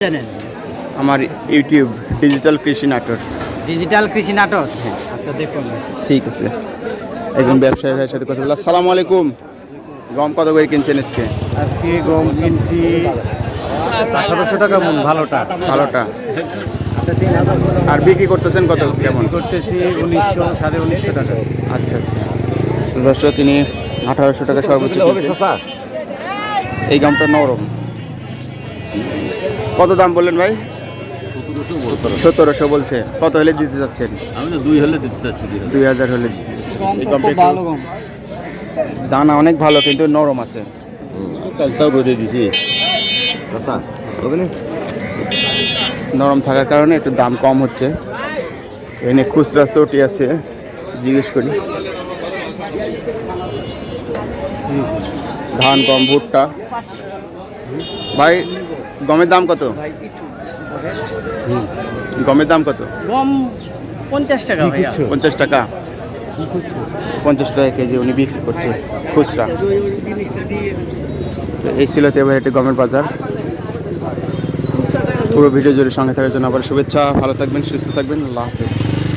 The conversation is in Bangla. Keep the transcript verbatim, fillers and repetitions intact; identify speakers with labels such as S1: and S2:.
S1: জানেন
S2: আমার ইউটিউব ডিজিটাল কৃষি নাটক।
S1: ডিজিটাল কৃষি নাটক, আচ্ছা দেখুন।
S2: ঠিক আছে, একজন ব্যবসায়ী ভাইয়ের সাথে কথা বললাম। আসসালামু আলাইকুম। গম কত করে কিনছেন আজকে?
S3: আজকে গম কিনছি আঠারোশো টাকা মন, ভালোটা
S2: ভালোটা। আর বিক্রি করতেছেন কত কেমন?
S3: করতেছি উনিশশো সাড়ে উনিশশো টাকা।
S2: আচ্ছা আচ্ছা, দর্শক তিনি আঠারোশো টাকা সর্বোচ্চ কিনছেন। এই গমটা নরম। কত দাম বললেন ভাই? সতেরোশো বলছে। কত হলে দিতে চাচ্ছেন?
S4: আমি তো দুই হলে দিতে চাচ্ছি।
S2: দুই হাজার হলে দিতে চাচ্ছেন। এই গমটা একটু
S1: ভালো গম,
S2: দানা অনেক ভালো, কিন্তু নরম আছে।
S4: কালটাও রোদে দিছি।
S2: নরম থাকার কারণে একটু দাম কম হচ্ছে। এখানে খুচরা চটি আছে, জিজ্ঞেস করি। ধান, গম, ভুট্টা। ভাই গমের দাম কত? গমের দাম কত?
S1: গম পঞ্চাশ টাকা ভাইয়া।
S2: পঞ্চাশ টাকা পঞ্চাশ টাকা কেজি উনি বিক্রি করছে খুচরা। তো এই ছিল এবার একটি গমের বাজার। পুরো ভিডিও জুড়ে সঙ্গে থাকার জন্য আবার শুভেচ্ছা। ভালো থাকবেন, সুস্থ থাকবেন। আল্লাহ হাফেজ।